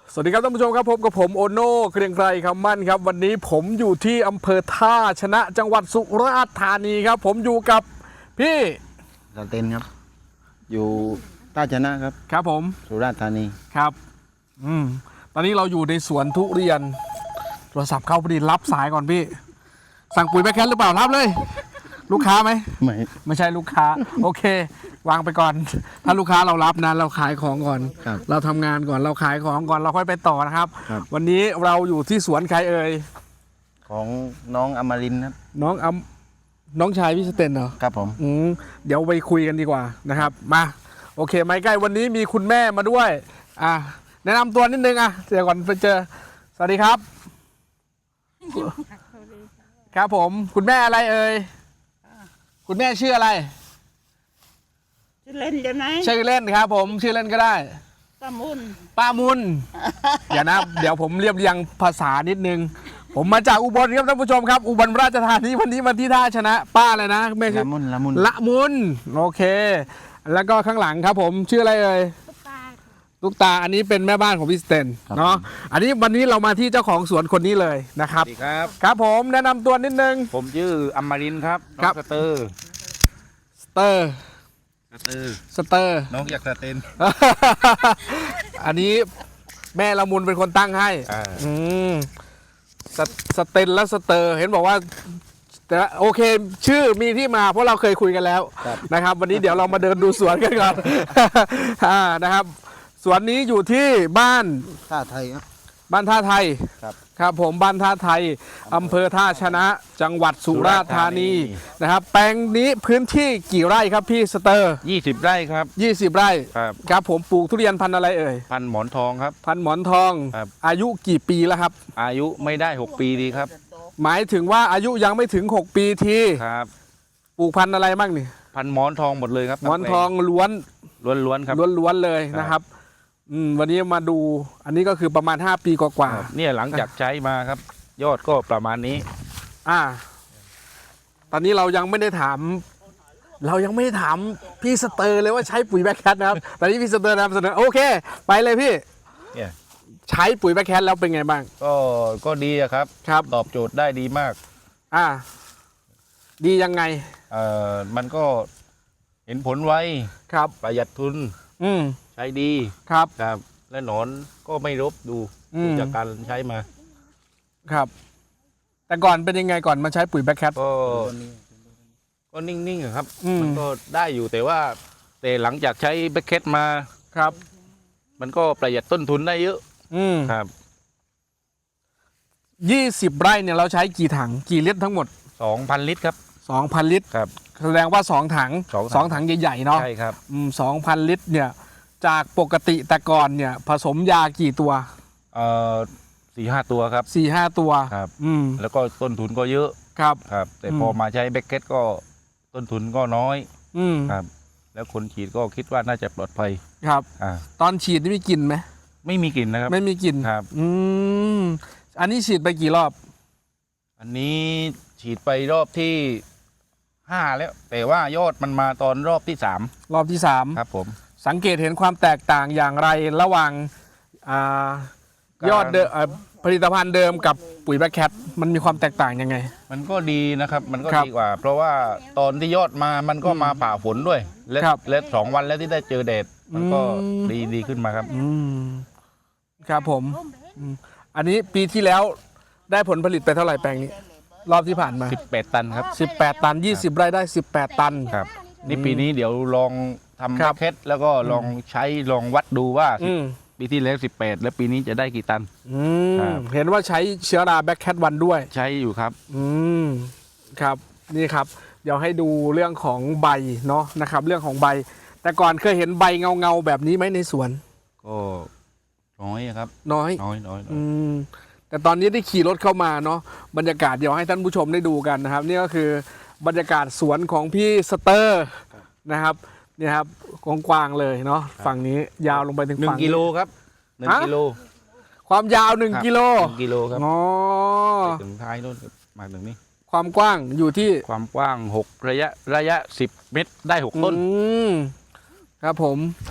สวัสดีครับท่านผู้ชมครับพบกับผมโอโน่เกรียงไกรคำมั่นครับวันนี้ผมอยู่ที่อำเภอท่าชนะจังหวัดสุราษฎร์ธานีครับผมอยู่กับพี่สเตนครับอยู่ท่าชนะครับครับผมสุราษฎร์ธานีครับตอนนี้เราอยู่ในสวนทุเรียนโทรศัพท์เข้าพอดีรับสายก่อนพี่สั่งปุ๋ยแบคแคทหรือเปล่ารับเลยลูกค้าไหมไม่ใช่ลูกค้าโอเควางไปก่อนถ้าลูกค้าเรารับนะเราขายของก่อนเราทำงานก่อนเราขายของก่อนเราค่อยไปต่อนะครับวันนี้เราอยู่ที่สวนใครเอ่ยของน้องอมรินทร์ครับน้องชายพี่สเตนเหรอครับผมเดี๋ยวไปคุยกันดีกว่านะครับมาโอเคไม่ใกล้วันนี้มีคุณแม่มาด้วยแนะนำตัวนิดนึงเดี๋ยวก่อนไปเจอสวัสดีครับครับผมคุณแม่อะไรเอ่ยคุณแม่ชื่ออะไรชื่อเล่นจะไหนชื่อเล่นครับผมชื่อเล่นก็ได้ป้ามุนอย่านะเดี๋ยวผมเรียบเรียงภาษานิดนึงผมมาจากอุบลครับท่านผู้ชมครับอุบลราชธานีวันนี้มาที่ท่าชนะป้าเลยนะแม่ชื่อละมุนโอเคแล้วก็ข้างหลังครับผมชื่ออะไรเอ่ยตุ๊กตาอันนี้เป็นแม่บ้านของพี่สเตนเนาะอันนี้วันนี้เรามาที่เจ้าของสวนคนนี้เลยนะครับครับผมแนะนำตัวนิดนึงผมชื่ออมรินทร์ครับน้องสเตอร์น้องอยากสเตนอันนี้แม่ละมุนเป็นคนตั้งให้สเตนและสเตอร์เห็นบอกว่าแต่โอเคชื่อมีที่มาเพราะเราเคยคุยกันแล้วนะครับวันนี้เดี๋ยวเรามาเดินดูสวนกันก่อนนะครับสวนนี้อยู่ที่บ้านท่าไทยครับบ้านท่าไทยครับผมบ้านท่าไทยอำเภอท่าชนะจังหวัดสุราษฎร์ธานีนะครับแปลงนี้พื้นที่กี่ไร่ครับพี่สเตอร์ 20 ไร่ครับ 20 ไร่ครับผมปลูกทุเรียนพันธุ์อะไรเอ่ยพันธุ์หมอนทองครับพันธุ์หมอนทองอายุกี่ปีแล้วครับอายุไม่ได้6 ปีดีครับหมายถึงว่าอายุยังไม่ถึง6 ปีทีครับปลูกพันธุ์อะไรบ้างนี่พันธุ์หมอนทองหมดเลยครับหมอนทองล้วนครับล้วนเลยนะครับวันนี้มาดูอันนี้ก็คือประมาณ5 ปีกว่าเนี่ยหลังจากใช้มาครับยอดก็ประมาณนี้ตอนนี้เรายังไม่ได้ถามพี่สเตอร์เลยว่าใช้ปุ๋ยแบคแคทนะครับตอนนี้พี่สเตอร์นำเสนอโอเคไปเลยพี่ใช้ปุ๋ยแบคแคทแล้วเป็นไงบ้างก็ดีครับตอบโจทย์ได้ดีมากดียังไงมันก็เห็นผลไวครับประหยัดทุนใช้ดีครับและหนอนก็ไม่รบดูจากการใช้มาครับแต่ก่อนเป็นยังไงก่อนมาใช้ปุ๋ยแบคแคทก็นิ่งๆครับมันก็ได้อยู่แต่หลังจากใช้แบคแคทมาครับมันก็ประหยัดต้นทุนได้เยอะครับ 20 ไร่เนี่ยเราใช้กี่ถังกี่ลิตรทั้งหมด 2,000 ลิตรครับ 2,000 ลิตรครับแสดงว่า2 ถัง2 ถังใหญ่ๆเนาะใช่ครับ 2,000 ลิตรเนี่ยจากปกติแต่ก่อนเนี่ยผสมยากี่ตัว 4-5 ตัวครับ 4-5 ตัวครับแล้วก็ต้นทุนก็เยอะครับแต่พอมาใช้แบคแคทก็ต้นทุนก็น้อยครับแล้วคนฉีดก็คิดว่าน่าจะปลอดภัยครับตอนฉีดนี่มีกลิ่นไหมไม่มีกลิ่นนะครับไม่มีกลิ่นครับอันนี้ฉีดไปกี่รอบอันนี้ฉีดไปรอบที่5แล้วแต่ว่ายอดมันมาตอนรอบที่3ครับผมสังเกตเห็นความแตกต่างอย่างไรระหว่างยอดผลิตภัณฑ์เดิมกับปุ๋ยแบคแคทมันมีความแตกต่างยังไงมันก็ดีนะครับมันก็ดีกว่าเพราะว่าตอนที่ยอดมามันก็มาผ่าฝนด้วยและ2 วันแล้วที่ได้เจอแดดมันก็ดีขึ้นมาครับครับผมอันนี้ปีที่แล้วได้ผลผลิตไปเท่าไหร่แปลงนี้รอบที่ผ่านมา 18 ตันครับ 18 ตัน20 ไร่ได้18 ตันครับนี่ปีนี้เดี๋ยวลองทำแบคแคทแล้วก็ลองใช้ลองวัดดูว่าปีที่แล้ว18แล้วปีนี้จะได้กี่ตันเห็นว่าใช้เชื้อราแบคแคทวันด้วยใช้อยู่ครับครับนี่ครับเดี๋ยวให้ดูเรื่องของใบเนาะนะครับเรื่องของใบแต่ก่อนเคยเห็นใบเงาแบบนี้ไหมในสวนก็น้อยครับน้อยแต่ตอนนี้ได้ขี่รถเข้ามาเนาะบรรยากาศเดี๋ยวให้ท่านผู้ชมได้ดูกันนะครับนี่ก็คือบรรยากาศสวนของพี่สเตอร์นะครับนี่ครับกว้างๆเลยเนาะฝั่งนี้ยาวลงไปถึงฝั่ง 1 กิโลครับ1 กิโลความยาว1 กิโลครับถึงท้ายโน่นมาถึงนี้ความกว้างอยู่ที่ความกว้าง6ระยะ10 เมตรได้6 ต้นครับผม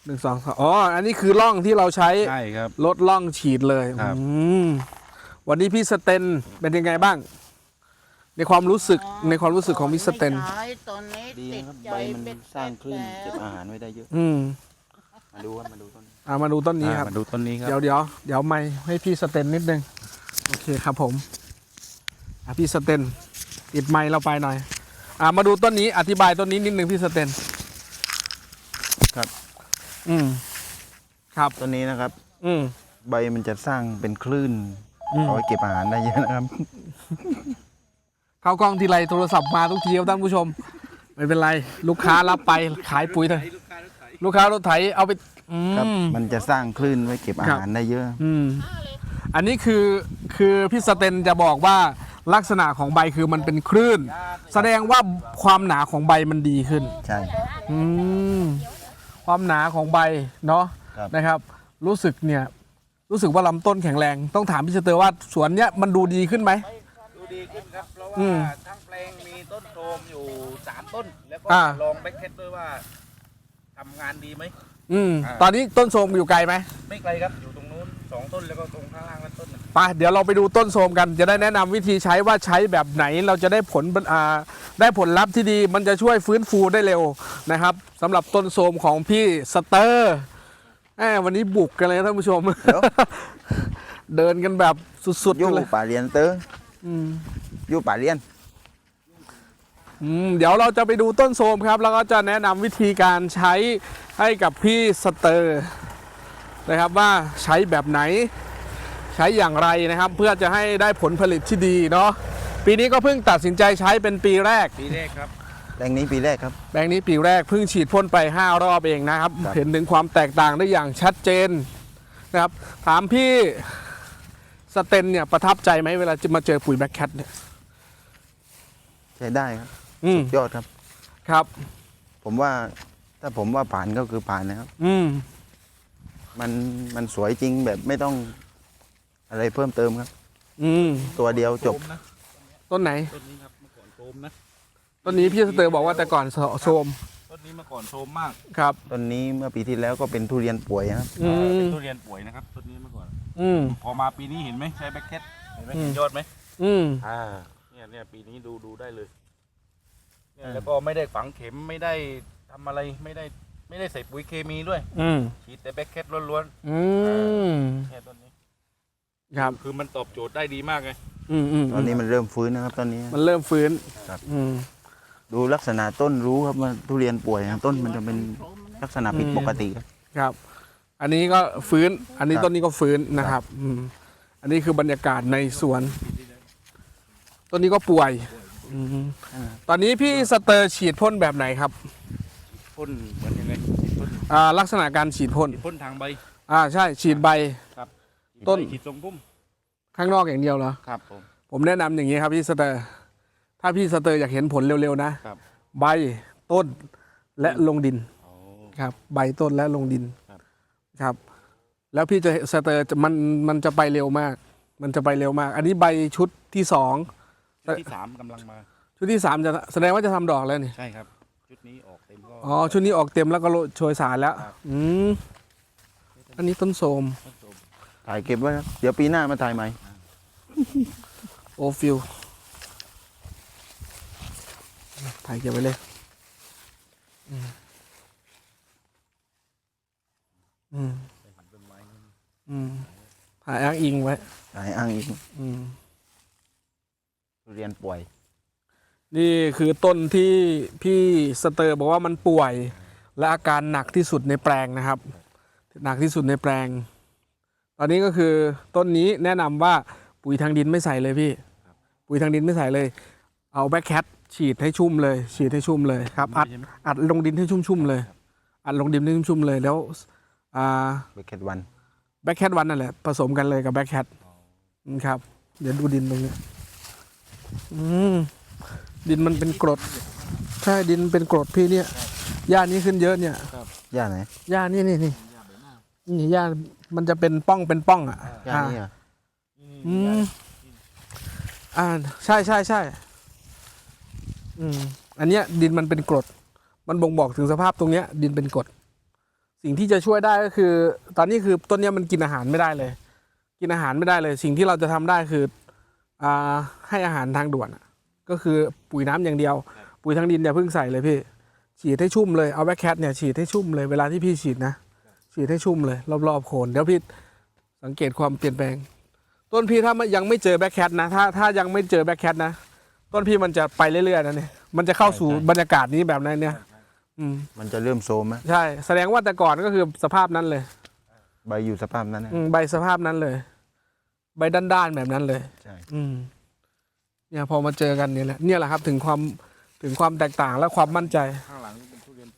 1 2 3อ๋ออันนี้คือร่องที่เราใช้ใช่ครับลดร่องฉีดเลยครับมวันนี้พี่สเตนเป็นยังไงบ้าง ในความรู้สึกของพี่สเตนไม่ใช้ตอนนี้ดีติดนะครับใจใบมันเบ็ดสร้างคลื่นแล้วเก็บอาหารไว้ได้เยอะอืมมาดูครับมาดูต้นมาดูต้นนี้ครับมาดูต้นนี้ครับเดี๋ยวไม่ให้พี่สเตนนิดนึงโอเคครับผมพี่สเตนติดไมค์เราไปหน่อยมาดูต้นนี้อธิบายต้นนี้นิดนึงพี่สเตนครับอืมครับต้นนี้นะครับอืมใบมันจะสร้างเป็นคลื่นอืมเอาไว้เก็บอาหารได้เยอะนะครับเข้ากล้องทีไรโทรศัพท์มาทุกทีครับท่านผู้ชม ไม่เป็นไร ลูกค้ารับไปขายปุ๋ยเถอะลูกค้ารถไถเอาไปครับ มันจะสร้างคลื่นไว้เก็บอาหารได้เยอะอันนี้คือพี่สเตนจะบอกว่าลักษณะของใบคือมันเป็นคลื่น แสดงว่าความหนาของใบมันดีขึ้นใช่อืมความหนาของใบเนาะครับนะครับ รู้สึกว่าลำต้นแข็งแรง ต้องถามพี่สเตอร์ว่าสวนเนี้ยมันดูดีขึ้นไหมดูดีขึ้นครับเพราะอืว่าม ทั้งแปลงมีต้นโทมอยู่3ต้น แล้วก็อ่าลองแบ็คเคทด้วยว่าทำงานดีไหมตอนนี้ต้นโทรมอยู่ไกลไหมไม่ไกลครับอยู่ตรงนู้น2ต้นแล้วก็ตรงข้างล่างนั่นต้นหนึ่งไปเดี๋ยวเราไปดูต้นโทรมกันจะได้แนะนำวิธีใช้ว่าใช้แบบไหนเราจะได้ได้ผลลัพธ์ที่ดี มันจะช่วยฟื้นฟูได้เร็วนะครับสำหรับต้นโทรมของพี่สเตอร์วันนี้บุกกันเลยท่านผู้ชมเดี๋ยวเดินกันแบบสุดๆยู่กันเลยป่าเรียนเตอร์อืมยู่ป่าเรียนเดี๋ยวเราจะไปดูต้นโทรมครับ แล้วก็จะแนะนำวิธีการใช้ให้กับพี่สเตอร์นะครับว่าใช้แบบไหนใช้อย่างไรนะครับ เพื่อจะให้ได้ผลผลิตที่ดีเนาะปีนี้ก็เพิ่งตัดสินใจใช้เป็นปีแรกปีแรกครับแปลงนี้ปีแรกครับแปลงนี้ปีแรกเพิ่งฉีดพ่นไป5 รอบเองนะครับครับเห็นถึงความแตกต่างได้อย่างชัดเจนนะครับถามพี่สเตนเนี่ยประทับใจไหมเวลาจะมาเจอปุ๋ยแบ็คแคทเนี่ยใช้ได้ครับอืมยอดครับครับผมว่าถ้าผมว่าผ่านก็คือผ่านนะครับอืมมันสวยจริงแบบไม่ต้องอะไรเพิ่มเติมครับอืมตัวเดียวจบต้นไหนต้นนี้ครับเมื่อก่อนโทมนะต้นนี้พี่สเตอร์บอกว่าแต่ก่อนโทรมต้นนี้เมื่อก่อนโทมมากครับต้นนี้เมื่อปีที่แล้วก็เป็นทุเรียนป่วยนะครับอืเป็มนทุเรียนป่วยนะครับต้นนี้เมื่อก่อนอืมพอมาปีนี้เห็นไหมใช้แบ็คเคทเห็นไหมอืมเห็นยอดไหมอืมเนี่ยปีนี้ดูได้เลยเนี่ยแล้วก็ไม่ได้ฝังเข็มไม่ได้ทำอะไรไม่ได้ใส่ปุ๋ยเคมีด้วยอืมฉีดแต่แบ็คเคทล้วนอืมๆเนี่ยต้นนี้ครับคือมันตอบโจทย์ได้ดีมากไงอืมอืมตอนนี้มันเริ่มฟื้นนะครับตอนนี้มันเริ่มฟื้นครับอืมดูลักษณะต้นรู้ครับว่าทุเรียนป่วยนะต้นมันจะเป็นลักษณะผิดปกติครับครับ อันนี้ก็ฟื้น อันนี้ครับต้นนี้ก็ฟื้นนะครับ อันนี้คือบรรยากาศในสวน ต้นนี้ก็ป่วยอืมตอนนี้พี่สเตอร์ฉีดพ่นแบบไหนครับพ่นเหมือนยังไงพ่นลักษณะการฉีดพ่นพ่นทางใบใช่ฉีดใบครับต้นฉีดทรงพุ่มข้างนอกอย่างเดียวเหรอครับผมผมแนะนำอย่างนี้ครับพี่สเตอร์ ถ้าพี่สเตอร์อยากเห็นผลเร็วๆนะครับ ใบต้นและลงดินโอ้ครับ ใบต้นและลงดินครับครับ แล้วพี่จะสเตอร์มันจะไปเร็วมาก มันจะไปเร็วมาก อันนี้ใบชุดที่สองชุดที่3กำลังมาชุดที่สามจะแสดงว่าจะทำดอกแล้วนี่ใช่ครับ ชุดนี้ออกเต็มก็อ๋อชุดนี้ออกเต็มแล้วก็โชยสารแล้วครับอันนี้ต้นโสมต้นโสมถ่ายเก็บไว้ครับเดี๋ยวปีหน้ามาถ่ายใหม่โอฟิลถ่ายเก็บไว้เลยถ่ายอ้างอิงไว้ถ่ายอ้างอีกอืมทุเรียนป่วยนี่คือต้นที่พี่สเตอร์บอกว่ามันป่วย และอาการหนักที่สุดในแปลงนะครับ หนักที่สุดในแปลง ตอนนี้ก็คือต้นนี้แนะนำว่าปุ๋ยทางดินไม่ใส่เลยพี่ ปุ๋ยทางดินไม่ใส่เลย เอาแบ็คแคทฉีดให้ชุ่มเลย ฉีดให้ชุ่มเลยครับ อัดลงดินให้ชุ่มๆเลย อัดลงดินให้ชุ่มๆเลยแล้วเบคเกตวันแบ็คแคทวันนั่นแหละผสมกันเลยกับแบ็คแคทครับ เดี๋ยวดูดินตรงนี้ดินมันเป็นกรด ใช่ดินเป็นกรดพี่เนี่ยหญ้านี้ขึ้นเยอะเนี่ยย่าไหนหญ้านี่หญ้ามันจะเป็นป้องอ่ะย่านี่อ่ะใช่อันเนี้ยดินมันเป็นกรด มันบ่งบอกถึงสภาพตรงเนี้ย ดินเป็นกรดสิ่งที่จะช่วยได้ก็คือ ตอนนี้คือต้นเนี้ยมันกินอาหารไม่ได้เลย กินอาหารไม่ได้เลย สิ่งที่เราจะทำได้คือให้อาหารทางด่วนอะก็คือปุ๋ยน้ำอย่างเดียว ปุ๋ยทางดินอย่าเพิ่งใส่เลยพี่ฉีดให้ชุ่มเลยเอาแบคแคทเนี่ยฉีดให้ชุ่มเลยเวลาที่พี่ฉีดนะฉีดให้ชุ่มเลยรอบๆโคนเดี๋ยวพี่สังเกตความเปลี่ยนแปลง ต้นพี่ถ้ายังไม่เจอแบคแคทนะถ้ายังไม่เจอแบคแคทนะต้นพี่มันจะไปเรื่อยๆนะเนี่ยมันจะเข้าสู่บรรยากาศนี้แบบนั้นเนี่ยมันจะเริ่มโซมไหมใช่แสดงว่าแต่ก่อนก็คือสภาพนั้นเลยใบอยู่สภาพนั้นนะใบสภาพนั้นเลย ใบด้านๆแบบนั้นเลยใช่เนี่ยพอมาเจอกันเนี่ยแหละครับถึงความแตกต่างและความมั่นใจข้างหลังนี่เป็นทุเรียนตู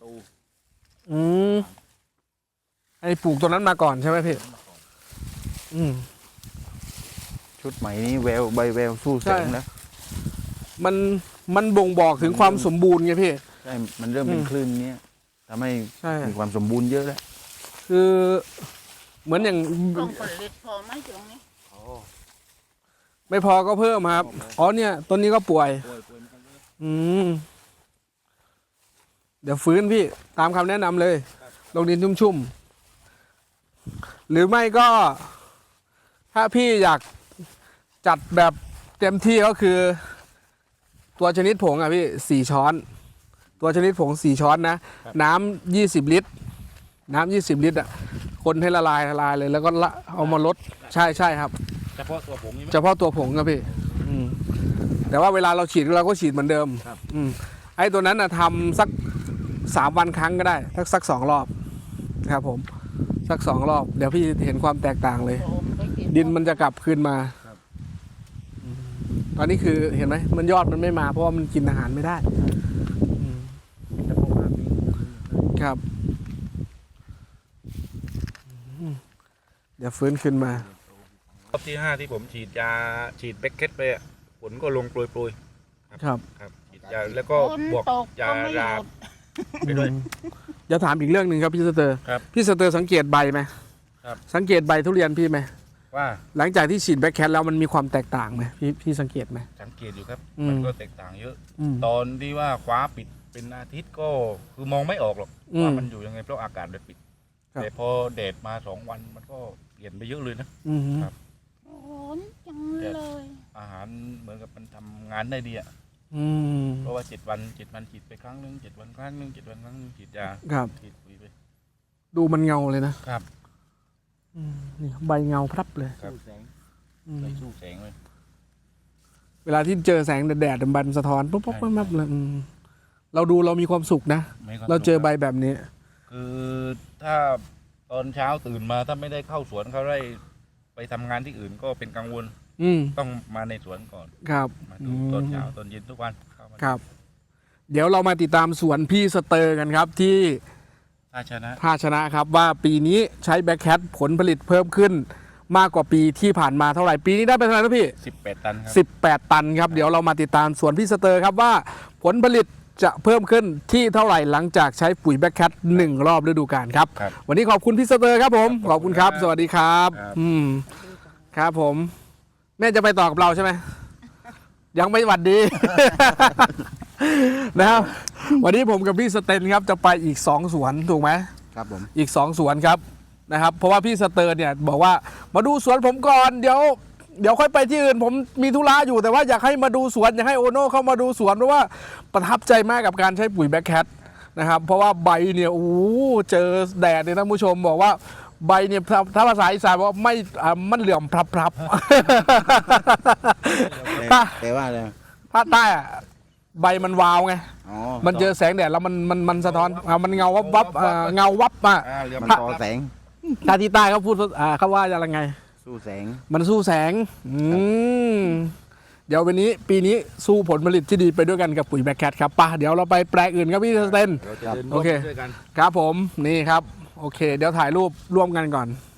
ไอ้ปลูกตัวนั้นมาก่อนใช่ไหมพี่ชุดใหม่นี้แววใบแววสู้แสงแล้วมันบ่งบอกถึงความสมบูรณ์ไงพี่ใช่มันเริ่มเป็นคลื่นเนี้ยทำให้ใช่มีความสมบูรณ์เยอะแล้วคือเหมือนอย่างต้องผลิตพอไหมตรงนี้ไม่พอก็เพิ่มครับอ๋อเนี่ยต้นนี้ก็ป่วยเดี๋ยวฟื้นพี่ตามคำแนะนำเลยลงดินชุ่มๆหรือไม่ก็ ถ้าพี่อยากจัดแบบเต็มที่ก็คือ ตัวชนิดผงอ่ะพี่4 ช้อน ตัวชนิดผง4 ช้อนนะน้ำ20 ลิตรน้ำ20 ลิตรอ่ะคนให้ละลายเลยแล้วก็เอามาลดใช่ครับเฉพาะตัวผงนี่ไหมเฉพาะตัวผงครับพี่แต่ว่าเวลาเราฉีดเราก็ฉีดเหมือนเดิมไอ้ตัวนั้นนะทำสัก3 วันครั้งก็ได้สัก2 รอบครับผมสัก2 รอบเดี๋ยวพี่เห็นความแตกต่างเลย ดินมันจะกลับคืนมาตอนนี้คือเห็นไหมมันยอดมันไม่มาเพราะว่ามันกินอาหารไม่ได้ครับเดี๋ยวฟื้นขึ้นมารอบที่ 5ที่ผมฉีดแบคเคทไปอะผลก็ลงโปรยๆครับฉีดยาแล้วก็บวกยาราไปด้วยจะถามอีกเรื่องหนึ่งครับพี่สเตอร์ครับพี่สเตอร์สังเกตใบไหมครับสังเกตใบทุเรียนพี่ไหมว่าหลังจากที่ฉีดแบคแคทแล้วมันมีความแตกต่างไหมพี่สังเกตไหมสังเกตอยู่ครับอืมมันก็แตกต่างเยอะ ตอนที่ว่าคว้าปิดเป็นอาทิตย์ก็คือมองไม่ออกหรอกว่ามันอยู่ยังไงเพราะอากาศมันปิดครับแต่พอแดดมา2 วันมันก็เปลี่ยนไปเยอะเลยนะ ครับโอ้ยจังเลยอาหารเหมือนกับมันทำงานได้ดีอะเพราะว่า7 วันฉีดไปครั้งหนึง7 วันครั้งหนึง7 วันครั้งหนึงฉีดยาครับฉีดปุ๋ยไปดูมันเงาเลยนะครับ นี่ใบเงาพรับเลยครับใส่สู้แสงเลยเวลาที่เจอแสงแดดๆบันสะท้อนปุ๊บปุ๊บปั๊บเลยเราดูเรามีความสุขนะ เราเจอใบแบบนี้คือถ้าตอนเช้าตื่นมาถ้าไม่ได้เข้าสวนเขาได้ไปทำงานที่อื่นก็เป็นกังวล ต้องมาในสวนก่อนครับมาดูตอนเช้าตอนเย็นทุกวันเข้ามาครับ เดี๋ยวเรามาติดตามสวนพี่สเตอร์กันครับที่ถ้าชนะท่าชนะครับว่าปีนี้ใช้แบคแคทผลผลิตเพิ่มขึ้นมากกว่าปีที่ผ่านมาเท่าไหร่ปีนี้ได้ไปเท่าไหร่นะพี่ 18 ตันครับ 18 ตันครับเดี๋ยวเรามาติดตามสวนพี่สเตอร์ครับว่าผลผลิตจะเพิ่มขึ้นที่เท่าไหร่หลังจากใช้ปุ๋ยแบคแคท1 รอบฤดูกาลครับครับวันนี้ขอบคุณพี่สเตอร์ครับผมครับขอบคุณครับขอบคุณครับสวัสดีครับครับครับผม แม่จะไปต่อกับเราใช่ไหมยังไม่หวัดดี นะครับวันนี้ผมกับพี่สเตนครับจะไปอีก2 สวนถูกไหมครับผมอีก2 สวนครับนะครับเพราะว่าพี่สเตอร์เนี่ยบอกว่ามาดูสวนผมก่อนเดี๋ยวค่อยไปที่อื่นผมมีธุระอยู่แต่ว่าอยากให้มาดูสวนอยากให้โอโน่เข้ามาดูสวนเพราะว่าประทับใจมากกับการใช้ปุ๋ยแบคแคทนะครับเพราะว่าใบเนี่ยโอ้โหเจอแดดเนี่ยท่านผู้ชมบอกว่าใบเนี่ยถ้าภาษาอีสานบอกว่าไม่มันเหลื่อมพรับๆแต่ว่าอะไรภาคใต้อะใบมันวาวไงอ๋อมันเจอแสงแดดแล้วมันสะท้อนมันเงาวับเงาวับอ่ะเรือมันมันต่อแสงถ้าที่ใต้เขาพูดเขาว่าอะไรไงสู้แสงมันสู้แสงเดี๋ยววันนี้ปีนี้สู้ผลผลิตที่ดีไปด้วยกันกับปุ๋ยแบคแคทครับป่ะเดี๋ยวเราไปแปลงอื่นครับพี่สเตนเราจะเดินโอเคด้วยกันครับผมนี่ครับโอเค เดี๋ยวถ่ายรูปร่วมกันก่อน